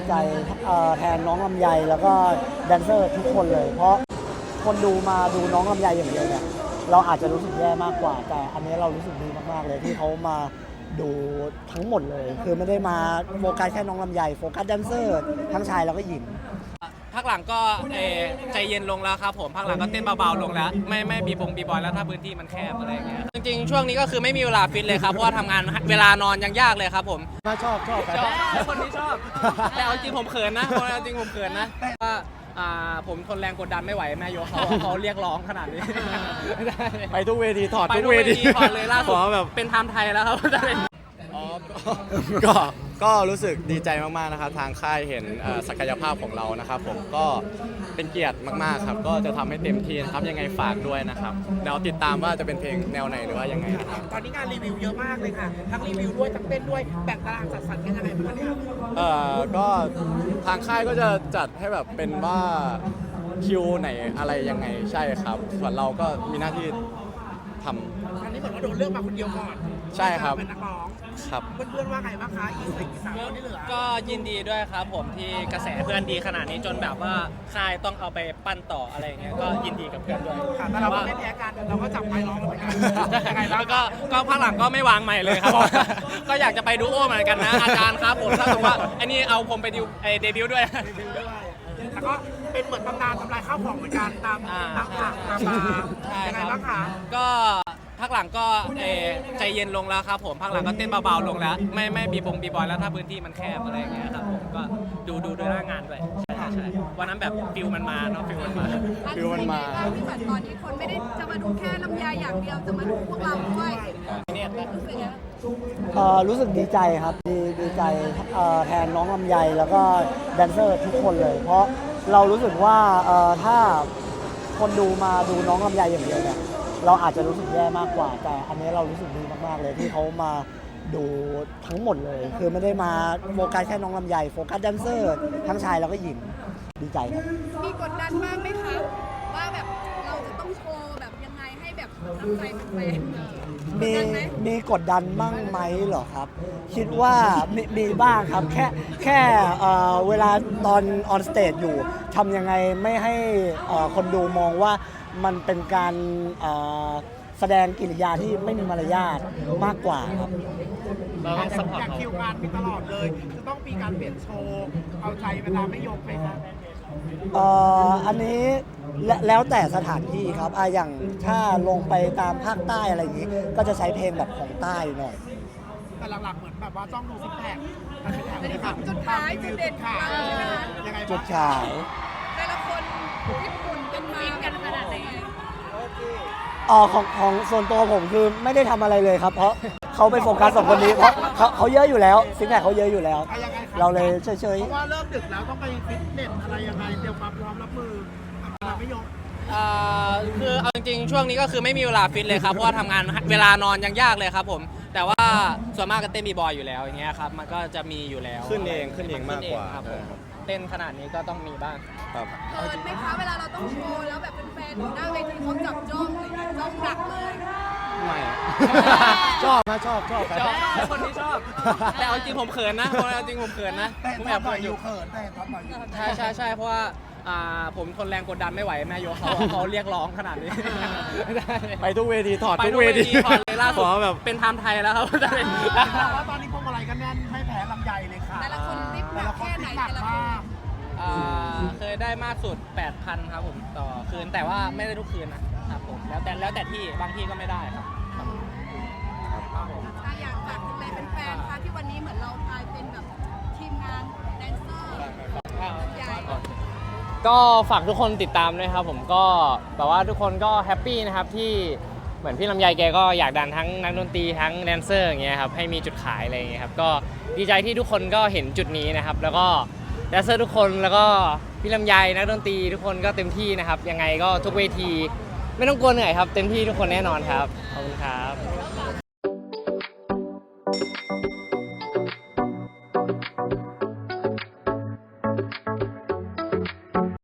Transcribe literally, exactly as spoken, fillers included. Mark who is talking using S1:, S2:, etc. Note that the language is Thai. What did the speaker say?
S1: ใจแทนน้องลำไยแล้วก็แดนเซอร์ทุกคนเลยเพราะคนดูมาดูน้องลำไยอย่างเดียวเนี่ยเราอาจจะรู้สึกแย่มากกว่าแต่อันนี้เรารู้สึกดีมากๆเลยที่เขามาดูทั้งหมดเลยคือไม่ได้มาโฟกัสแค่น้องลำไยโฟกัสแดนเซอร์ทั้งชายแล้วก็หญิง
S2: ภาคหลังก็เอใจเย็นลงแล้วครับผมภาคหลังก็เต้นเบาๆลงแล้วไม่ไม่บีบงบีบอยแล้วถ้าพื้นที่มันแคบอะไรเงี้ยจริงๆช่วงนี้ก็คือไม่มีเวลาฟิตเลยครับเพราะว่าทำงานเวลานอนยังยากเลยครับผม
S1: ชอบชอบ
S2: ชอบคนนี้ชอบแต่เอาจริงผมเขินนะคนเอาจริงผมเขินนะว่าผมทนแรงกดดันไม่ไหวแม่โยเขาเขาเรียกร้องขนาดนี้
S3: ไปทุกเวทีถอด
S2: ทุกเวทีถอดเลยล่าสุดแบบเป็นไทม์ไทยแล้วครับ
S3: อ๋อก็ก็รู้สึกดีใจมากๆนะครับทางค่ายเห็นศักยภาพของเรานะครับผมก็เป็นเกียรติมากๆครับก็จะทำให้เต็มที่นะครับยังไงฝากด้วยนะครับเดี๋ยวติดตามว่าจะเป็นเพลงแนวไหนหรือว่ายังไงนะครับ
S4: ตอนนี้งานรีวิวเยอะมากเลยค่ะทั้งรีวิวด้วยทั้งเต้นด้วยแบ่งตารางจัดสรรกันยังไงบ้างเนี่ย
S3: เอ่อก็ทางค่ายก็จะจัดให้แบบเป็นว่าคิวไหนอะไรยังไงใช่ครับส่วนเราก็มีหน้าที่ทำ
S4: อันนี้เหมือนว่าโดนเลือกมาคนเดียวก่อน
S3: ใช่ครับ
S4: เป็นนักร้อง
S3: ครับ
S4: เพื่อนๆว่าไงบ้างคะอีกสามคนที่เหลือ
S2: ก็ยินดีด้วยครับผมที่กระแสเพื่อนดีขนาดนี้จนแบบว่าค่ายต้องเอาไปปั้นต่ออะไรอย่างเงี้ยก็ยินดีกับเพื่อนด้วย
S4: แต่เราไม่แพ้กันเราก็จับไมค์ร้องเหมือนกันยังไงบ้าง
S2: ก็ก็ภาคหลังก็ไม่วางใหม่เลยครับก็อยากจะไปดูโอเหมือนกันนะอาจารย์ครับผมถ้าสมมติว่าอันนี้เอาผมไปดิวเดบิวต์ด้วย
S4: แล้วก็เป็นเหมือนตำนานทำลายข้าวของเหมือนกันตามตามผักตามบาร์ยังไงบ้างคะ
S2: ก็ภาคหลังก็ใจเย็นลงแล้วครับผมภาคหลังก็เต้นเบาๆลงแล้วไม่ไม่บีบงบีบอยแล้วถ้าพื้นที่มันแคบอะไรอย่างเงี้ยครับผมก็ดูดูด้วยหน้างานด้วยใช่ใช่วันนั้นแบบฟิลมันมาเนาะฟิลมันมา
S3: ฟิลมันมา
S5: ที่แบบตอนนี้คนไม่ได้จะมาดูแค่ลำไยอย่างเดียวจะมาดูพวกเราด้วยเนี่ยรู้สึกยัง
S1: รู้สึกดีใจครับดีดีใจแทนน้องลำไยแล้วก็แดนเซอร์ทุกคนเลยเพราะเรารู้สึกว่าถ้าคนดูมาดูน้องลำไยอย่างเดียวเนี่ยเราอาจจะรู้สึกแย่มากกว่าแต่อันนี้เรารู้สึกดีมากๆเลยที่เขามาดูทั้งหมดเลยคือไม่ได้มาโฟกัสแค่น้องลำไยโฟกัสแดนเซอร์ทั้งชายแล้วก็หญิงดีใจครับ
S5: มีกดดันบ้างไหมคะว่าแบบเราจะต้องโชว์แบบยังไงให้แบบทำใจเป็นแฟน
S1: มีมีกดดันบ้างไหมเหรอครับคิดว่ามีมีบ้างครับแค่แค่เวลาตอนออนสเตจอยู่ทำยังไงไม่ให้คนดูมองว่ามันเป็นการแสดงกิริยาที่ไม่มีมารยาทมากกว่าครับ
S4: เราต้องสปอร์ตคิวงานมีตลอดเลยจะต้องมีการเปลี่ยนโชว์เอาใจเวลาไม่ยกไหมครับ
S1: อันนี้แล้วแต่สถานที่ครับอย่างถ้าลงไปตามภาคใต้อะไรอย่างนี้ก็จะใช้เพลงแบบของใต้หน่อย
S4: แต่หลักๆเหมือนแบบว่าจ้องดูซิกแพค
S5: จุดจุดขายจุดเด่นขาย
S4: ยังไง
S1: จุดขาย
S5: แต่ละคนญี่ปุ่นเป็นฟินกันขนาดไหน
S1: อ๋อของของส่วนตัวผมคือไม่ได้ทำอะไรเลยครับเพราะเขาไปโฟกัสสองคนนี้เพราะเขาเขาเยอะอยู่แล้วซิกแพคเขาเยอะอยู่แล้วเราเลยเฉย
S4: ๆเพราะว่าเริ่มดึกแล้วต้องไปฟิตเนสอะไรยังไงเตรียมความพร้อมรับมือไม่ยก
S2: คือเอาจริงๆช่วงนี้ก็คือไม่มีเวลาฟิตเลยครับเพราะว่าทำงานเวลานอนยังยากเลยครับผมแต่ว่าส่วนมากก็เต้นบีบอยอยู่แล้วอย่างเงี้ยครับมันก็จะมีอยู่แล้ว
S3: ขึ้นเองขึ้นเองมากกว่า
S2: ครับเต้นขนาดนี้ก็ต้องมีบ้าง
S3: ครับ
S5: เขินไหมคะเวลาเราต้องโชว์แล้วแบบเป็นแฟนหน้าเวทีเขาจับจ้องเลยจ้องหนักเลย
S3: ไม่ชอบนะชอบชอบ
S2: ชอบคนที่ชอบแต่เอาจริงผมเขินนะคนเอาจริงผมเขินนะ
S4: ผมแอบเขินอยู่เขินแต่ตอนหน่อย
S2: ใช่ใช่ใช่เพราะว่าผมทนแรงกดดันไม่ไหวแม่โยเขาเขาเรียกร้องขนาดนี้
S3: ไปทุกเวทีถอดทุกเวที
S2: ถอดเลยล่าสุดแบบเป็นไทม์ไทยแล้วครับ
S4: แต่ว่าตอนนี้พวกอะไรกันแน่นไม่แพ้ลำไยเลยค่ะ
S5: แต่ละคนริบหนักแค่ไหนแต่ละคน
S2: เคยได้มากสุด แปดพัน ครับผมต่อคืนแต่ว่าไม่ได้ทุกคืนนะครับผมแล้วแต่แล้วแต่ที่บางที่ก็ไม่ได้ครับ
S5: อยากฝากถึงอะไรเป็นแฟนคะที่วันนี้เหมือนเรากลายเป็นแบบทีมงานแดนเซอร์
S2: ก็ฝากทุกคนติดตามด้วยครับผมก็แบบว่าทุกคนก็แฮปปี้นะครับที่เหมือนพี่ลำไยแกก็อยากดันทั้งนักดนตรีทั้งแดนเซอร์อย่างเงี้ยครับให้มีจุดขายอะไรอย่างเงี้ยครับก็ดีใจที่ทุกคนก็เห็นจุดนี้นะครับแล้วก็แดนเซอร์ทุกคนแล้วก็พี่ลำไยนักดนตรีทุกคนก็เต็มที่นะครับยังไงก็ทุกเวทีไม่ต้องกลัวเหนื่อยครับเต็มที่ทุกคนแน่นอนครับขอบคุณครับ